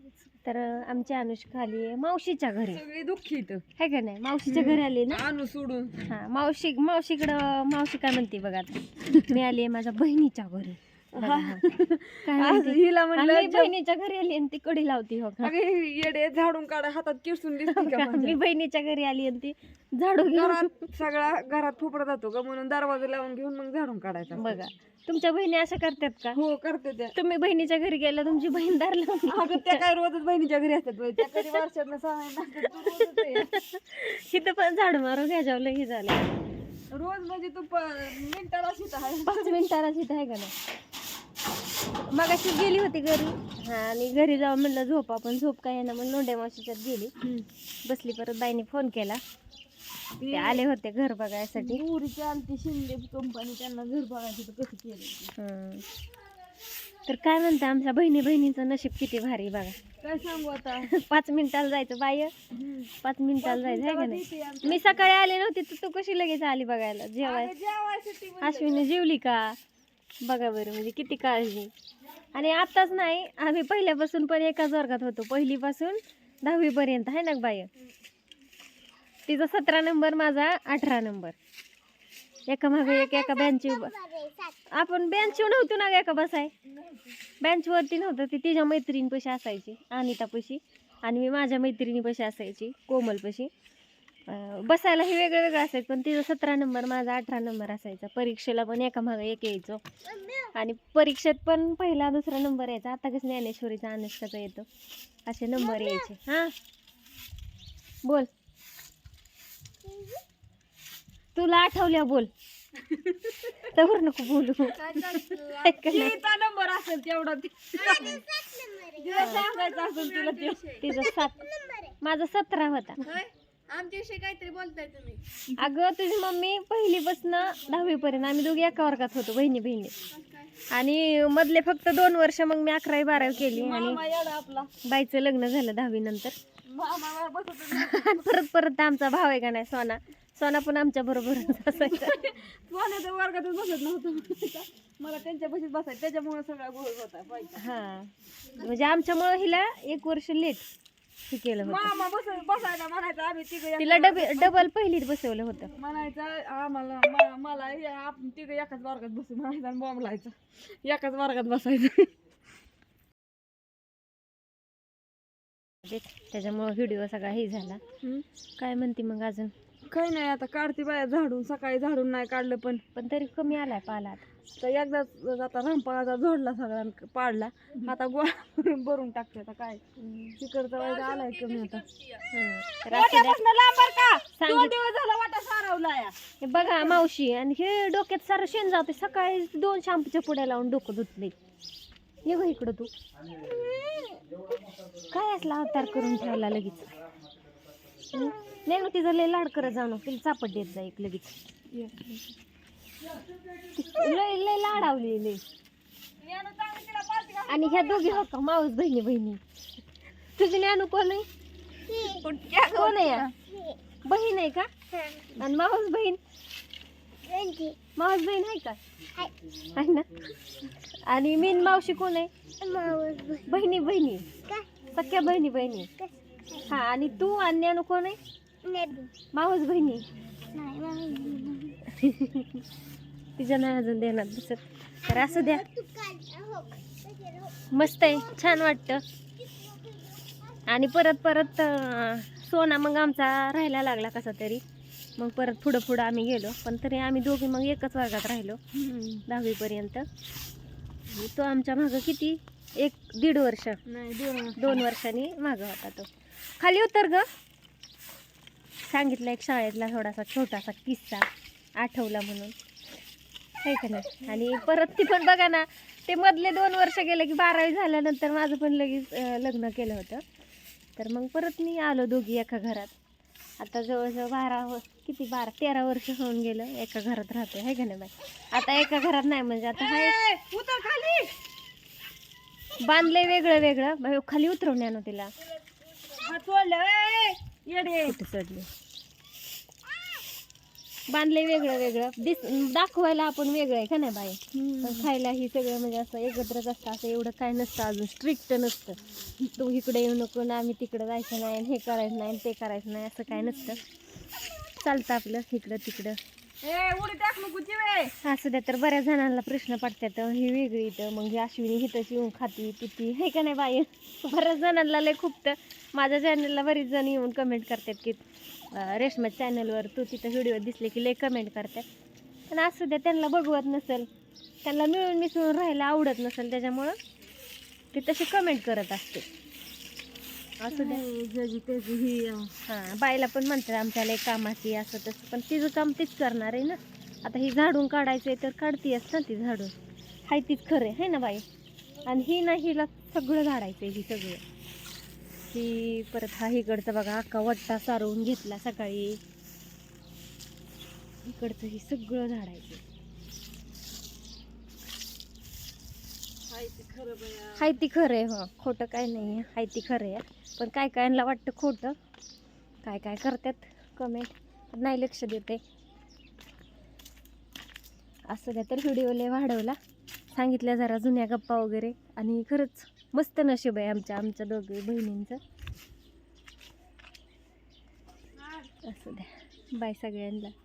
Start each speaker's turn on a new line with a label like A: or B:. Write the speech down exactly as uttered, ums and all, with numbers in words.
A: तर आमची अनुष्का आली आहे मावशीच्या घरी.
B: सगळी दुःखी इथं
A: है का नाही? मावशीच्या घरी आली ना.
B: आणू सोडून.
A: हा मावशी मावशीकडं मावशी काय म्हणते बघा आता. मी आली आहे माझ्या बहिणीच्या घरी. बघा, हा. काय
B: आज
A: म्हणते?
B: हिला म्हणलं
A: आम्ही बहिणीच्या घरी आली आणि ती कडी लावती हो का.
B: अगं ही येडे झाडून काढा हातात किरसून दिसते का माझ्या?
A: मी बहिणीच्या घरी आली आणि ती झाडू घेऊन.
B: घरात सगळा घरात फोपडा जातो का म्हणून दरवाजा लावून घेऊन मग झाडून काढायचा.
A: बघा तुमच्या बहिणी असं करतात का?
B: हो करते त्या.
A: तुम्ही बहिणीच्या घरी गेला तुमची बहीण दार लावून.
B: अगं त्या काय रोजच बहिणीच्या घरी असतात बाई. त्या कधी वर्षातनं सहा महिन्यात तू रोजच आहे.
A: तिथं पण झाडू मारून घ्यायच्या लई झालं.
B: रोज म्हणजे तू प- मिनिटाला शित आहे.
A: पाच मिनिटाला तिथं आहे का नाही. मगाशी गेली होती घरी. हा आणि घरी जाऊन म्हणलं झोपा पण झोप काय ना मग लोंढे मावशीच्यात गेली. बसली परत बाईने फोन केला. ते आले होते घर बघायसाठी.
B: उरीची आमची शिंदे कंपनी त्यांना घर बघायचं तर कसं केलं.
A: हं. तर काय म्हणता आमच्या बहिणी बहिणीचं नशीब किती भारी बघा.
B: काय सांगू आता.
A: पाच मिनिटाला जायचं बाय पाच मिनिटाला जायचं आहे का नाही. मी सकाळी आले नव्हते तर तू कशी लगेच आली बघायला जेवाय.
B: जेवायसाठी
A: अश्विनी जेवली का बघा बरं म्हणजे किती काळजी. आणि आताच नाही आम्ही पहिल्यापासून पण एकाच वर्गात होतो पहिलीपासून दहावी पर्यंत आहे ना बाय. तिचा सतरा नंबर माझा अठरा नंबर. एका मागे एक एका बेंच आपण बेंचवर नव्हतो ना एका बसाय. बेंचवरती नव्हतं ती तिच्या मैत्रिणीपाशी असायची अनितापाशी आणि मी माझ्या मैत्रिणीपाशी असायची कोमलपाशी. बसायला हे वेगळं वेगळं असायचं पण तिचा सतरा नंबर माझा अठरा नंबर असायचा. परीक्षेला पण एका मागे एक यायचो आणि परीक्षेत पण पहिला दुसरा नंबर यायचा. आता कसं ज्ञानेश्वरीचा अनुष्काचा येतो असे नंबर यायचे. हां बोल तुला आठवल्या बोल तर नको बोलू.
B: नंबर असेल तेवढा तिला सांगायचं असेल तुला ते.
A: तिचा सात माझा सतरा होता.
B: आमच्याविषयी काहीतरी बोलताय तुम्ही.
A: अगं तुझी मम्मी पहिलीपासून दहावी पर्यंत आम्ही दोघी एका वर्गात होतो बहिणी बहिणी. आणि मधले फक्त दोन वर्ष मग मी अकरावी बारावी केली आणि
B: आपला
A: बाईचं लग्न झालं दहावी नंतर.
B: मामा बसत
A: परत परत आमचा भाव आहे का नाही सोना सोना पण आमच्या बरोबरच असायचा.
B: सोन्याच्या वर्गातच बसत नव्हतं मला त्यांच्या बशीत बसायचं त्याच्यामुळे सगळा गोळ होता पाहिजे.
A: हा म्हणजे आमच्यामुळे हिला एक वर्ष लेट हे केलं होतं.
B: मामा बस बसायला म्हणायचं आम्ही तिघ
A: तिला डबे डबल पहिलीत बसवलं होतं.
B: म्हणायचं आम्हाला म- मला हे आपण तिघ एकाच वर्गात बसू म्हणायचं आणि बॉम्ब लायचं एकाच वर्गात बसायचं.
A: त्याच्यामुळे व्हिडिओ सगळा हे झाला. काय म्हणते मग अजून.
B: काही नाही आता काढते बाया झाडून सकाळी झाडून नाही काढलं पण
A: पण तरी कमी आलाय पाला आता.
B: तर एकदाच आता रामपाळाचा झोडला सगळा पाडला आता गोळा भरून टाकते. आता काय चिकरचा वायदा आलाय कमी आता.
A: हं. तर असू द्या.
B: दोन दिवस झाला वाटा सारवला या.
A: हे बघा मावशी आणि हे डोक्यात सारं शेण जाते. सकाळी दोन शॅम्पूच्या पुड्या लावून डोकं धुतले. ये गं इकडं तू काय असला अवतार करून ठेवला लगेच. नाही मग तिचा लय लाड करत जाऊ नको तिला चापट देत जा एक लगेच. लय लय लाडावली लय. आणि ह्या दोघी हो का माऊस बहिणी बहिणी. तुझी ज्ञानू कोण आहे कोण आहे या? बहीण आहे का आणि माऊस बहीण माऊस बहीण आहे का आहे ना. आणि मीन मावशी कोण आहे बहिणी बहिणी सख्या बहिणी बहिणी. हा आणि तू आणि ज्ञानू कोण आहे माऊस बहिणी. तिच्या नाही अजून देणार दिसत. तर असू द्या मस्त आहे छान वाटतं. आणि परत परत अं, सोना मग आमचा राहायला लागला कसा तरी. मग परत पुढं पुढं आम्ही गेलो पण तरी आम्ही दोघी मग एकच वर्गात राहिलो दहावीपर्यंत. तो आमच्या मागं किती एक दीड वर्ष
B: नाही दोन
A: दोन वर्षांनी मागं होता तो. खाली उतर ग. सांगितलं एक शाळेतला थोडासा छोटासा किस्सा आठवला म्हणून आहे का नाही. आणि परत ती पण बघा ना ते मधले दोन वर्ष गेले की बारावी झाल्यानंतर माझं पण लगेच अं, लग्न केलं होतं. तर मग परत मी आलो दोघी एका घरात. आता जवळजवळ बारा व किती बारा तेरा वर्ष होऊन गेलं एका घरात राहतोय आहे का नाही बाई. आता एका घरात नाही म्हणजे आता हाय
B: उतर खाली
A: बांधलंय वेगळं वेगळं. बाई, खाली उतरवण्यानं तिला
B: हात सोडले येडे
A: कुठे चढले. बांधले वेगळं वेगळं दिस दाखवायला आपण वेगळं आहे का नाही बाई,
B: हम्म.
A: पण खायला ही सगळं म्हणजे असं एकत्रच असतं. असं एवढं काय नसतं, अजून स्ट्रिक्ट नसतं. तू इकडे येऊ नको ना, आम्ही तिकडं जायचं नाही, आणि हे करायचं नाही, आणि ते करायचं नाही, असं काय नसतं. चालतं आपलं इकडं तिकडं.
B: ए उडी टाक नको चिवे.
A: असं द्या. तर बऱ्याच जणांना प्रश्न पडतात, ही वेगळी तर मग ही अश्विनी हिथंच येऊन खाती पिती हे का नाही बाई. बऱ्याच जणांना लय खूप तर माझ्या चॅनलला बरीच जण येऊन कमेंट करतात की अं, रेश्मा चॅनलवर तू तिथं व्हिडिओ दिसले की लय कमेंट करतात. पण असू द्या, त्यांना बघवत नसेल, त्यांना मिळून मिसळून राहायला आवडत नसेल, त्याच्यामुळं ते तसे कमेंट करत असते. असू द्या.
B: ज्याची त्याची ही
A: हां, बाईला पण म्हणतात आमच्या लय कामाची असं तसं, पण तिचं काम तीच करणार आहे ना. आता ही झाडून काढायचं आहे तर काढतीयच ना ती झाडून, हाय तीच खरं आहे ना बाई. आणि ही ना हिला सगळं झाडायचं आहे, ही सगळं. ही परत हा इकडचं बघा अख्खा वट्टा सारवून घेतला सकाळी, इकडचं ही सगळं झाडायचं.
B: हाय ते खरं बया.
A: हाय ती खरं आहे, हो खोटं काय नाही आहे, हाय ती खरं आहे. पण काय कायला वाटतं खोटं, काय काय करतात कमेंट, नाही लक्ष देते. असं द्या. तर व्हिडिओ लय वाढवला, सांगितल्या जरा जुन्या गप्पा वगैरे, आणि खरंच मस्त नशीब आहे आमच्या आमच्या दोघी बहिणींचं. असं द्या. बाय सगळ्यांना.